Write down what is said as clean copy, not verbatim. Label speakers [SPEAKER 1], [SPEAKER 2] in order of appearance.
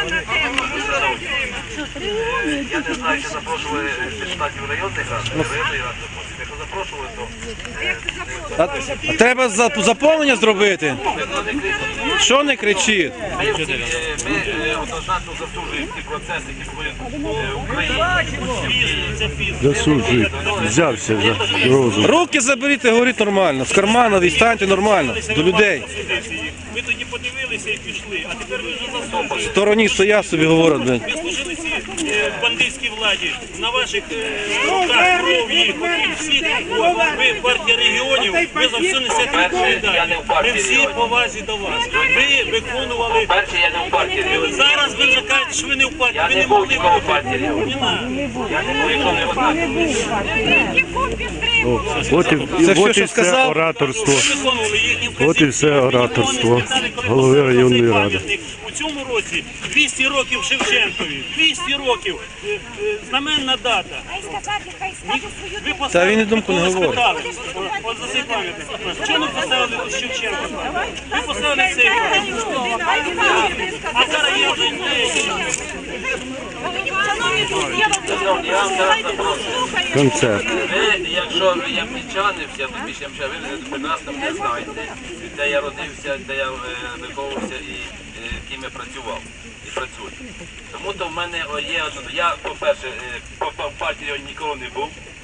[SPEAKER 1] Я не знаю, чи запрошували депутатів районних рад, районної ради запрошували. Якщо запрошували, то...
[SPEAKER 2] Треба заповнення зробити. Що не кричить?
[SPEAKER 1] Ми однозначно засуджуємо ті процеси, які були в Україні.
[SPEAKER 3] Засуджують. Взявся за розум.
[SPEAKER 2] Руки заберіть і говоріть нормально. З кармана відстаньте нормально до людей.
[SPEAKER 4] Ви тоді подивилися і пішли, а тепер ви вже засуджуєте.
[SPEAKER 2] В стороні стоять собі говорять.
[SPEAKER 4] Ви служили цій бандитській владі, на ваших руках кров їх, всі, ви партія регіонів, ви за все несете відповідальність. Ми всі повазі до вас. Ви виконували...
[SPEAKER 1] Перше, я не в партії регіонів.
[SPEAKER 4] Зараз ви вже кажете, що ви не в партії,
[SPEAKER 1] Я
[SPEAKER 4] ви
[SPEAKER 1] не
[SPEAKER 4] не
[SPEAKER 1] був
[SPEAKER 4] могли
[SPEAKER 1] ніколи в
[SPEAKER 4] бути.
[SPEAKER 1] партії регіонів. Я не був ніколи в
[SPEAKER 3] От і все
[SPEAKER 2] сказав?
[SPEAKER 3] ораторство.
[SPEAKER 4] Виконували їхні
[SPEAKER 3] От і все ораторство голови районної ради.
[SPEAKER 4] У цьому році 200 років Шевченкові, 200 років, знаменна дата. Ви
[SPEAKER 2] Та він і думку не говорить.
[SPEAKER 4] спитали, от за цей пам'ятник. Чому не поставили тут Шевченка? Ви поставили цей пам'ятник. А зараз є вже
[SPEAKER 3] Концерт.
[SPEAKER 1] Ви, якщо ви ямнічани, я тобі ще ви прекрасно мене знаєте, де я родився, де я виховувався і ким я працював і працюю. Тому то в мене є одно. Я, по-перше, по партії ніколи не був.